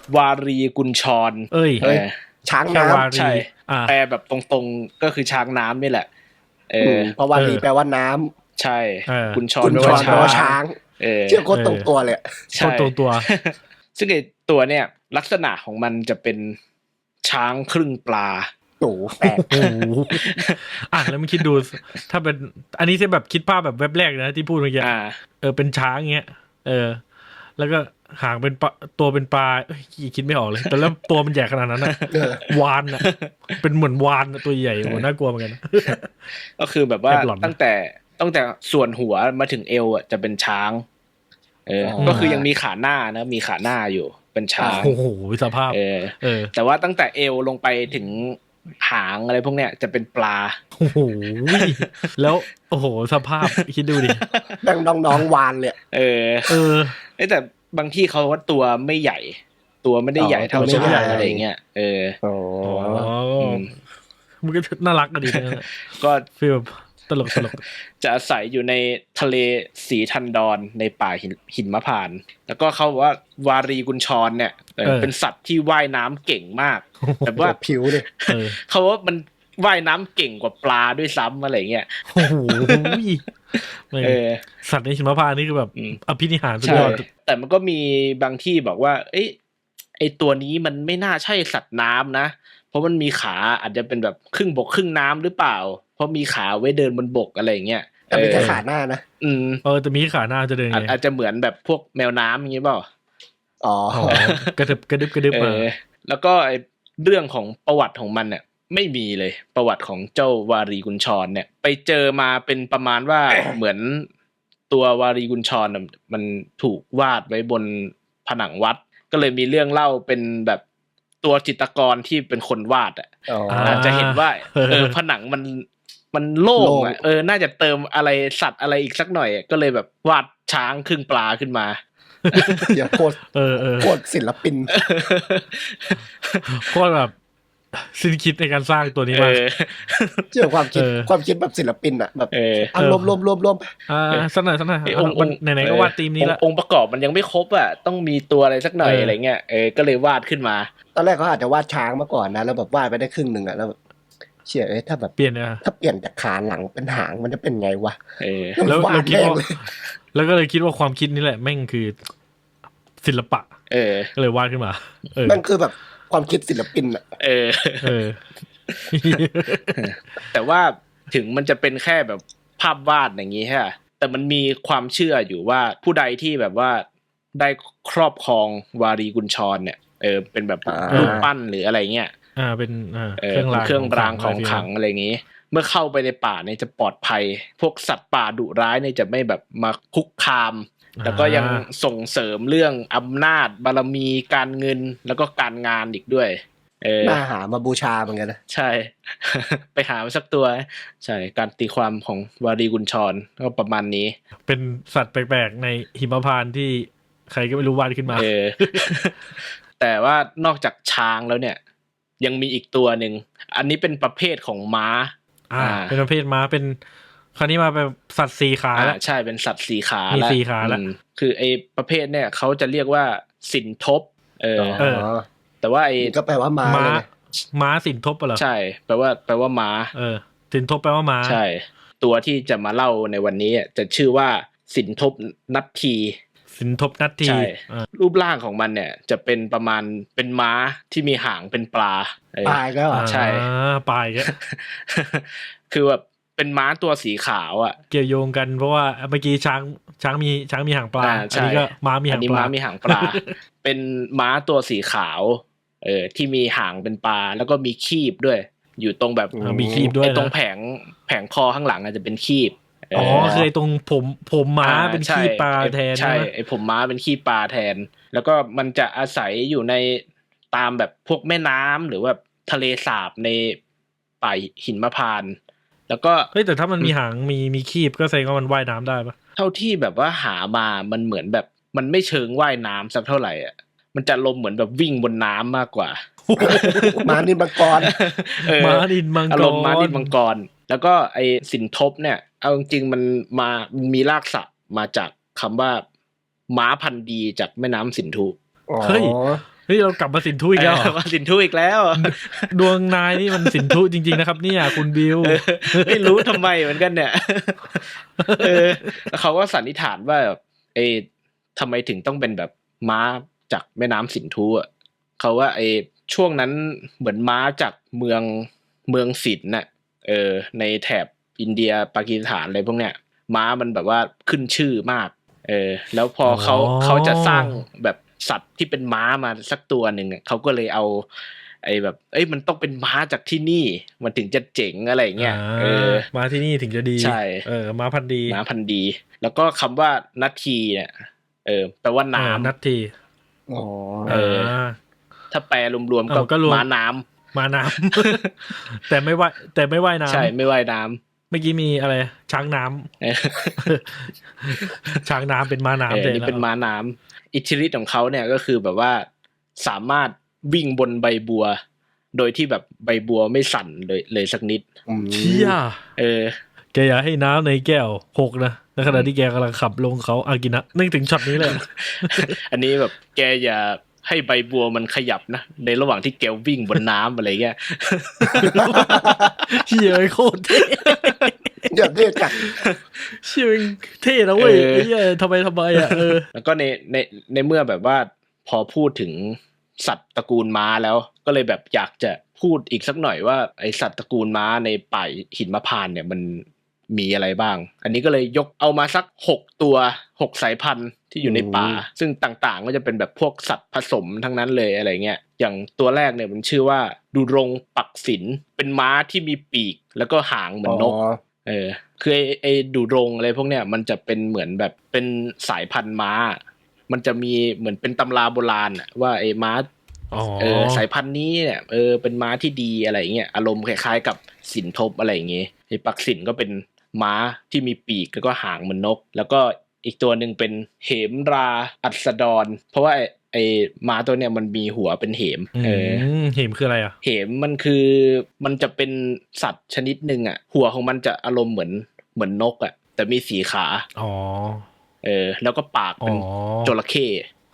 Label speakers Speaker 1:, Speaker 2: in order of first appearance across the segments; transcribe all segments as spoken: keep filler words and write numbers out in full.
Speaker 1: วารีกุญชร
Speaker 2: เอ้ย
Speaker 1: เออ
Speaker 3: ช้างน้ำ
Speaker 1: ใช่
Speaker 2: อ่า
Speaker 1: แปลแบบตรงๆก็คือช้างน้ำนี่แหละเออ
Speaker 3: เพราะวารีแปลว่าน้ำ
Speaker 1: ใช่กุญชร
Speaker 3: กุญ
Speaker 1: แปล
Speaker 3: ช
Speaker 1: ว่าร
Speaker 3: แปลว่าช้าง
Speaker 1: เออ
Speaker 3: เชื่อโคตรตรงตัวเลย
Speaker 2: ใช่ตรงตัว
Speaker 1: ซึ่งไอ้ตัวเนี่ยลักษณะของมันจะเป็นช้างครึ่งปลา
Speaker 3: โอ้แปลก
Speaker 2: โอ้โหอ่ะแล้วมึงคิดดูถ้าเป็นอันนี้ใช่แบบคิดภาพแบบเว็บแรกนะที่พูดเมื่อกี้เออเป็นช้างเงี้ยเออแล้วก็หางเป็นปลาตัวเป็นปลาเอ้ยคิดไม่ออกเลยแต่แล้วตัวมันใหญ่ขนาดนั้นนะวานอ่ะเป็นเหมือนวานตัวใหญ่โหน่ากลัวเหมือนกัน
Speaker 1: ก็คือแบบว่าตั้งแต่ตั้งแต่ส่วนหัวมาถึงเอวอ่ะจะเป็นช้างเออก็คือยังมีขาหน้านะมีขาหน้าอยู่เป็นช้าง
Speaker 2: โอ้โหสภาพ
Speaker 1: เออเออแต่ว่าตั้งแต่เอวลงไปถึงหางอะไรพวกเนี้ยจะเป็นปลา
Speaker 2: โอ้โหแล้วโอ้โหสภาพคิดดูดิ
Speaker 3: ดังน้องๆวานเลย
Speaker 1: เออเออแต่บางที่เขาว่าตัวไม่ใหญ่ตัวไม่ได้ใหญ่เท่าช้างอะไรเงี้ยเออ
Speaker 3: โอ้
Speaker 2: มันก็น่ารักกันดีนะ
Speaker 1: ก็
Speaker 2: ฟีลตลกตลก
Speaker 1: จะอาศัยอยู่ในทะเลสีทันดอนในป่าหินหิมพานต์แล้วก็เขาบอกว่าวารีกุญชรเนี่ยเป็นสัตว์ที่ว่ายน้ำเก่งมากแบบว่า
Speaker 3: ผิวเลย
Speaker 1: เขาว่ามันว่ายน้ำเก่งกว่าปลาด้วยซ้ำอะไรเงี้ย
Speaker 2: โอ้โหสัตว์ในหิมพานต์นี่คือแบบอภินิหารสุดยอด
Speaker 1: แต่มันก็มีบางที่บอกว่าเอ้ยไอตัวนี้มันไม่น่าใช่สัตว์น้ำนะเพราะมันมีขาอาจจะเป็นแบบครึ่งบกครึ่งน้ำหรือเปล่าเพราะมีขาไว้เดินบนบกอะไรอย่างเงี้ย
Speaker 3: แต่เป็นแค่ขาหน้านะ
Speaker 1: อืม
Speaker 2: เออแต่มีขาหน้าจะเดินไง
Speaker 1: อาจจะเหมือนแบบพวกแมวน้ำอย่างงี้เปล่า
Speaker 3: อ๋
Speaker 2: อกระดึบกระดึบกระดึบมา
Speaker 1: แล้วก็ไอเรื่องของประวัติของมันเนี่ยไม่มีเลยประวัติของเจ้าวารีกุญชรเนี่ยไปเจอมาเป็นประมาณว่า เหมือนตัววารีกุญชรมันถูกวาดไว้บนผนังวัดก็เลยมีเรื่องเล่าเป็นแบบตัวจิตรกรที่เป็นคนวาดอ่ะอาจจะเห็นว่าเออผนังมันมันโล่งอ่ะเออน่าจะเติมอะไรสัตว์อะไรอีกสักหน่อยก็เลยแบบวาดช้างครึ่งปลาขึ้นมา
Speaker 3: อย่าโคตร
Speaker 2: เออเออ
Speaker 3: โคตรศิลปิน
Speaker 2: โคตรแบบสิ้นคิดในการสร้างตัวนี้มาก
Speaker 3: เจอความคิดความคิดแบบศิลปินอ่ะแบบอารวมรวมรวมรวม
Speaker 2: อ่าสักหน่อยสักหน่อยไหนๆก็วาดธีมนี้ละ
Speaker 1: องค์ประกอบมันยังไม่ครบอ่ะต้องมีตัวอะไรสักหน่อยอะไรเงี้ยเออก็เลยวาดขึ้นมา
Speaker 3: ตอนแรกเขาอาจจะวาดช้างมาก่อนนะแล้วแบบวาดไปได้ครึ่งนึงอ่ะแล้วเชื่อเอ้ยถ้าแบบ
Speaker 2: เปลี่ยนนะ
Speaker 3: ถ้าเปลี่ยนจากขาหลังเป็นหางมันจะเป็นไงวะ
Speaker 1: เออ
Speaker 2: แล้วเราคิดว่าแล้วก็เลยคิดว่าความคิดนี้แหละแม่งคือศิลปะ
Speaker 1: เออ
Speaker 2: ก็เลยวาดขึ้นมาเออ
Speaker 3: มันคือแบบความคิดศิลปินอ่ะ
Speaker 1: เออ
Speaker 2: เออ
Speaker 1: แต่ว่าถึงมันจะเป็นแค่แบบภาพวาดอย่างงี้ฮะแต่มันมีความเชื่ออยู่ว่าผู้ใดที่แบบว่าได้ครอบครองวารีกุญชรเนี่ยเออเป็นแบบรูปปั้นหรืออะไรเงี้ย
Speaker 2: อ่าเป็นอ่า
Speaker 1: เครื่องรางเครื่องรางของขลังอะไรอย่างงี้เมื่อเข้าไปในป่าเนี่ยจะปลอดภัยพวกสัตว์ป่าดุร้ายเนี่ยจะไม่แบบมาคุกคามแล้วก็ยังส่งเสริมเรื่องอำนาจบารมีการเงินแล้วก็การงานอีกด้วยเออ
Speaker 3: น่าหามาบูชาเหมือนกันนะ
Speaker 1: ใช่ ไปหามาสักตัวใช่การตีความของวารีกุญชรก็ประมาณนี้
Speaker 2: เป็นสัตว์แปลกๆในหิมพานต์ที่ใครก็ไม่รู้วาดขึ้นมา
Speaker 1: เออ แต่ว่านอกจากช้างแล้วเนี่ยยังมีอีกตัวหนึ่งอันนี้เป็นประเภทของม้า
Speaker 2: อ่าเป็นประเภทม้าเป็นคราวนี้มาเป็นสัตว์สี่ขาแล้ว
Speaker 1: ใช่เป็นสัตว์สี่ขา
Speaker 2: มีสี่ขาแล้ว
Speaker 1: คือไอ้ประเภทเนี่ยเขาจะเรียกว่าสินทบเออแต่ว่าไอ้
Speaker 3: ก็แปลว่าม้า
Speaker 2: ม้าสินทบเหรอ
Speaker 1: ใช่แปลว่าแปลว่าม้า
Speaker 2: เออสินทบแปลว่าม้า
Speaker 1: ใช่ตัวที่จะมาเล่าในวันนี้จะชื่อว่าสินทบนัทที
Speaker 2: สินทบนัทที
Speaker 1: รูปร่างของมันเนี่ยจะเป็นประมาณเป็นม้าที่มีหางเป็นปลา
Speaker 3: ปลายก็
Speaker 1: ใช่
Speaker 2: ปลายก็
Speaker 1: คือแบบเป็นม้าตัวสีขาวอ่ะ
Speaker 2: เกี่ยวโยงกันเพราะว่าเมื่อกี้ช้างช้างมีช้างมีหางปลาอันนี้ก็ม้ามีหางปลาอันนี้
Speaker 1: ม้ามีหางปลา เป็นม้าตัวสีขาวเออที่มีหางเป็นปลาแล้วก็มีคีบด้วยอยู่ตรงแบบ
Speaker 2: มีคีบด้วย
Speaker 1: ไอ้ตรงแผงแผงคอข้างหลังอาจจะเป็นคีบ
Speaker 2: อ๋อคือไอ้ตรงผมผมม้าเป็นขี้ปลาแทน
Speaker 1: ใช่ไอ้ผมม้าเป็นขี้ปลาแทนแล้วก็มันจะอาศัยอยู่ในตามแบบพวกแม่น้ำหรือว่าทะเลสาบในป่าหิมพานต์แล้วก็
Speaker 2: เฮ้ยแต่ถ้ามันมีหางมีมีคีบก็แสดงว่ามันว่ายน้ำได้ปะ
Speaker 1: เท่าที่แบบว่าหามามันเหมือนแบบมันไม่เชิงว่ายน้ำสักเท่าไหร่อ่ะมันจะลมเหมือนแบบวิ่งบนน้ำมากกว่า
Speaker 3: ม้านินมังกร
Speaker 2: ม้านินมังกร
Speaker 1: อารมณ์ม้านินมังกรแล้วก็ไอ้สินทบเนี่ยเอาจริงๆมันมามีรากศัพท์มาจากคำว่าม้าพันธุ์ดีจากแม่น้ำสินธุ
Speaker 2: เฮ้ยเฮ้ยเรากลับมาสินธุอีกแล้วเหรอ
Speaker 1: มาสินธุอีกแล้ว
Speaker 2: ดวงนายนี่มันสินธุจริงๆนะครับเนี่ยคุณบิว
Speaker 1: ไม่รู้ทำไมเหมือนกันเนี่ยเออเขาก็สันนิษฐานว่าไอ้ทำไมถึงต้องเป็นแบบม้าจากแม่น้ำสินธุอ่ะเขาว่าไอ้ช่วงนั้นเหมือนม้าจากเมืองเมืองสินน่ะเออในแถบอินเดียปากีสถานอะไรพวกเนี้ยม้ามันแบบว่าขึ้นชื่อมากเออแล้วพอเขาเขาจะสร้างแบบสัตว์ที่เป็นม้ามาสักตัวหนึ่งเขาก็เลยเอาไอ้แบบเอ้ยมันต้องเป็นม้าจากที่นี่มันถึงจะเจ๋งอะไรเงี้ยเออ
Speaker 2: มาที่นี่ถึงจะดี
Speaker 1: ใช่
Speaker 2: เออม้าพันธุ์ดี
Speaker 1: ม้าพันธุ์ดีแล้วก็คำว่านัททีเนี่ยเออแปลว่าน้ำ
Speaker 2: นัทที
Speaker 3: อ๋อ
Speaker 1: เออถ้าแปลรวมๆก็ม้าน้ำ
Speaker 2: ม้าน้ำ แต่ไม่ว่ายแต่ไม่ว่ายน้ำ
Speaker 1: ใช่ไม่ว่ายน้ำ
Speaker 2: เมื่อกี้มีอะไรช้างน้ำช้างน้ำเป็นม้าน้ำ
Speaker 1: เลยนี่เป็นม้าน้ำอิทธิฤทธิ์ของเขาเนี่ยก็คือแบบว่าสามารถวิ่งบนใบบัวโดยที่แบบใบบัวไม่สั่นเลยเลยสักนิด
Speaker 2: เชี่ย
Speaker 1: เออ
Speaker 2: แกอย่าให้น้ำในแก้วหกนะในขณะที่แกกำลังขับลงเขาอากินะนึกถึงช็อตนี้เลย
Speaker 1: อันนี้แบบแกอย่าให้ใบบัวมันขยับนะในระหว่างที่แกวิ่งบนน้ำอะไรเงี้ย
Speaker 2: เชี่ยโคตรเท่
Speaker 3: เดี๋ยวเท่จัด
Speaker 2: เชี่ยเท่นะเว้ยไอ้เหี้ยทำไมทำไมอ่ะเออ
Speaker 1: แล้วก็ในในในเมื่อแบบว่าพอพูดถึงสัตว์ตระกูลม้าแล้วก็เลยแบบอยากจะพูดอีกสักหน่อยว่าไอสัตว์ตระกูลม้าในป่าหินมะพร้าวเนี่ยมันมีอะไรบ้างอันนี้ก็เลยยกเอามาสักหกตัวหกสายพันธุ์ที่อยู่ในป่าซึ่งต่างๆก็จะเป็นแบบพวกสัตว์ผสมทั้งนั้นเลยอะไรเงี้ยอย่างตัวแรกเนี่ยมันชื่อว่าดุรงปักศิลเป็นม้าที่มีปีกแล้วก็หางเหมือนนกเออคือไอไอดุรงอะไรพวกเนี้ยมันจะเป็นเหมือนแบบเป็นสายพันธุ์ม้ามันจะมีเหมือนเป็นตำราโบราณอะว่าไอ้ม้าเออสายพันธุ์นี้เนี่ยเออเป็นม้าที่ดีอะไรเงี้ยอารมณ์คล้ายๆกับสินทบอะไรอย่างเงี้ยไอ้ปักศิลก็เป็นม้าที่มีปีกแล้วก็หางเหมือนนกแล้วก็อีกตัวหนึ่งเป็นเหมราอัสดรเพราะว่าไอ้ไอ้ม้าตัวเนี้ยมันมีหัวเป็นเหมเออ
Speaker 2: เหมคืออะไรอ่ะ
Speaker 1: เหมมันคือมันจะเป็นสัตว์ชนิดนึงอ่ะหัวของมันจะอารมณ์เหมือนเหมือนนกอ่ะแต่มีสีขา
Speaker 2: อ๋อ
Speaker 1: เออแล้วก็ปากเป็นจระเข้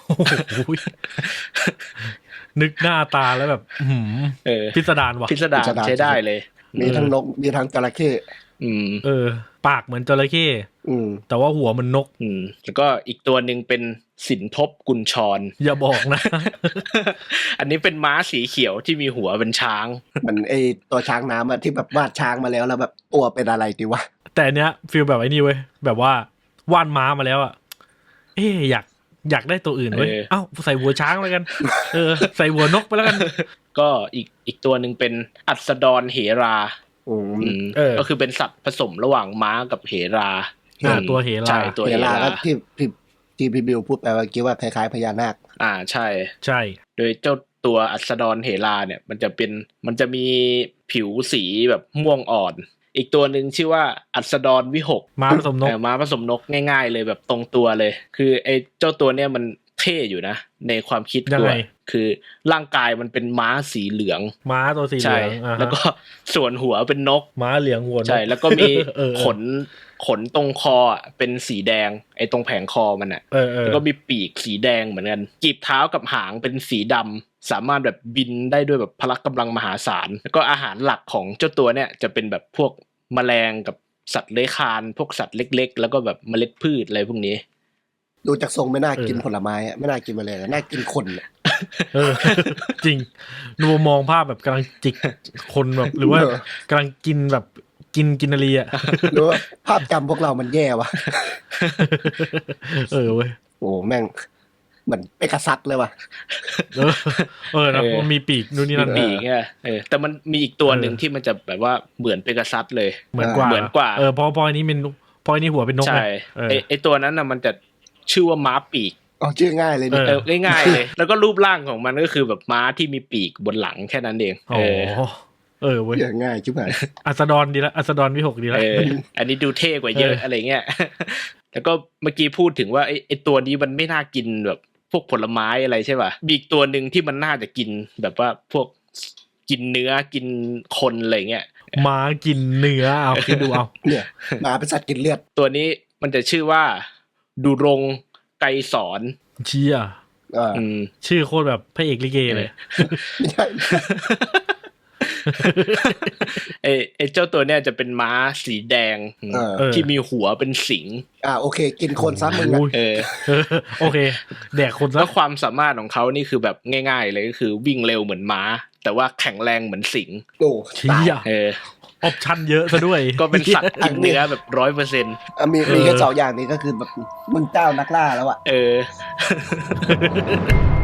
Speaker 2: นึกหน้าตาแล้วแบบ
Speaker 1: เออ
Speaker 2: พิสดารว่ะ
Speaker 1: พิสดารใช้ได้เลย
Speaker 3: มีทั้งนกมีทั้งจระเข้
Speaker 1: อืม
Speaker 2: เออปากเหมือนจระเข้อืมแต่ว่าหัวมันนก
Speaker 1: อืมแล้วก็อีกตัวนึงเป็นสินทบกุญชร
Speaker 2: อย่าบอกนะ
Speaker 1: อันนี้เป็นม้าสีเขียวที่มีหัวเป็นช้าง
Speaker 3: มันไอตัวช้างน้ำอะที่แบบวาดช้างมาแล้วแล้วแบบตัวเป็นอะไรดีวะ
Speaker 2: แต่เนี้ยฟีลแบบไอ้นี่เว้ยแบบว่าวาดม้ามาแล้วอะเอ๊ะอยากอยากได้ตัวอื่นเว้ยเอ้าใส่หัวช้างแล้วกันเออใส่หัวนกไปแล้วกัน
Speaker 1: ก็อีกอีกตัวนึงเป็นอัสดรเหราอืมก็คือเป็นสัตว์ผสมระหว่างม้ากับเหรา
Speaker 2: ตัวเหรา
Speaker 1: ใช่ตัวเหรา
Speaker 3: ก็ที่ที่ที่พี่บิวพูดไปเมื่อกี้ว่าคล้ายๆพญานาค
Speaker 1: อ่าใช่
Speaker 2: ใช่
Speaker 1: โดยเจ้าตัวอัสดรเหราเนี่ยมันจะเป็นมันจะมีผิวสีแบบม่วงอ่อนอีกตัวหนึ่งชื่อว่าอัสดรวิหก
Speaker 2: ม้าผสมนก
Speaker 1: ม้าผสมนกง่ายๆเลยแบบตรงตัวเลยคือไอ้เจ้าตัวเนี้ยมันเท่อยู่นะในความคิดตัวคือร่างกายมันเป็นม้าสีเหลือง
Speaker 2: ม้าตัวสีเหลือง
Speaker 1: แล้วก็ส่วนหัวเป็นนก
Speaker 2: ม้าเหลืองหัวนก
Speaker 1: ใช่แล้วก็มีขนขนตรงคอเป็นสีแดงไอ้ตรงแผงคอมันอ่ะแล้วก็มีปีกสีแดงเหมือนกันกีบเท้ากับหางเป็นสีดำสามารถแบบบินได้ด้วยแบบพละกำลังมหาศาลแล้วก็อาหารหลักของเจ้าตัวเนี่ยจะเป็นแบบพวกแมลงกับสัตว์เลื้อยคลานพวกสัตว์เล็กๆแล้วก็แบบเมล็ดพืชอะไรพวกนี้
Speaker 3: ดูจากทรงไม่น่ากินผลไม้อ่ะไม่น่ากินแมลงน่ากินคนอ่ะ
Speaker 2: เออจริงดูมองภาพแบบกำลังจิกคนแบบหรือว่ากำลังกินแบบกินกินอะไรอ่ะ
Speaker 3: หรือว่าภาพจำพวกเรามันแย่วะ
Speaker 2: เออเว้ย
Speaker 3: โอ้แม่งเหมือนเปกัสซัสเลยว่ะ
Speaker 2: เออเออนะมันมีปีกนู่นนี่นั่น
Speaker 1: ปีกอ่ะเออแต่มันมีอีกตัวนึงที่มันจะแบบว่าเหมือนเปกัสซัสเลย
Speaker 2: เหมือนกว่า
Speaker 1: เหมือนกว่า
Speaker 2: เออพอพออันนี้เป็นพออันนี้หัวเป็นนก
Speaker 1: ใช่ไอไอตัวนั้นน่ะมันจะชื่อว่าม้าปีก
Speaker 3: อ๋อชื่อง่ายเลย
Speaker 1: เออง่ายๆเลยแล้วก็รูปร่างของมันก็คือแบบม้าที่มีปีกบนหลังแค่นั้นเอง
Speaker 2: เออเออเว้ย
Speaker 3: ง่ายชิบหาย
Speaker 2: อัสดรดีละอัสดรวิหกดีละ
Speaker 1: เอออันนี้ดูเท่กว่าเยอะอะไรเงี้ยแล้วก็เมื่อกี้พูดถึงว่าไอไอตัวนี้มันไม่น่ากินแบบพวกผลไม้อะไรใช่ป่ะมีอีกตัวนึงที่มันน่าจะกินแบบว่าพวกกินเนื้อกินคนอะไรเงี้ย
Speaker 2: ม้ากินเนื้อเอาคิดดูเอา
Speaker 3: เนี่ยม้าเป็นสัตว์กินเลือด
Speaker 1: ตัวนี้มันจะชื่อว่าดุรงไกรสอน
Speaker 2: เชี่ย
Speaker 3: อ่า
Speaker 1: อืม
Speaker 2: ชื่อโคตรแบบพระเอกลิเกเลย
Speaker 3: ไม่ใช่
Speaker 1: ไอ้ไอ้เจ้าตัวเนี้ยจะเป็นม้าสีแดง
Speaker 3: เออ
Speaker 2: เออ
Speaker 1: ที่มีหัวเป็นสิง
Speaker 3: อ่าโอเค กินคนซ้ำมึง
Speaker 2: โอ้
Speaker 3: อ่ะ
Speaker 2: ย
Speaker 1: เออ
Speaker 2: เออโอเค แดกคน
Speaker 1: แล้
Speaker 2: ซะ
Speaker 1: วความสามารถของเขานี่คือแบบง่ายๆเลยก็คือวิ่งเร็วเหมือนม้า แต่ว่าแข็งแรงเหมือนสิง
Speaker 3: โอ้
Speaker 2: เชี่
Speaker 3: ตาย
Speaker 2: ย
Speaker 1: เออ
Speaker 2: ออปชั่นเยอะซะด้วย
Speaker 1: ก็เป็นสัตว์กินเนื้อแบบร้อยเปอร์เซ็นต์
Speaker 3: อ่ะมีมีแค่สองอย่างนี้ก็คือแบบมึงเจ้านักล่าแล้วอ่ะ
Speaker 1: เออ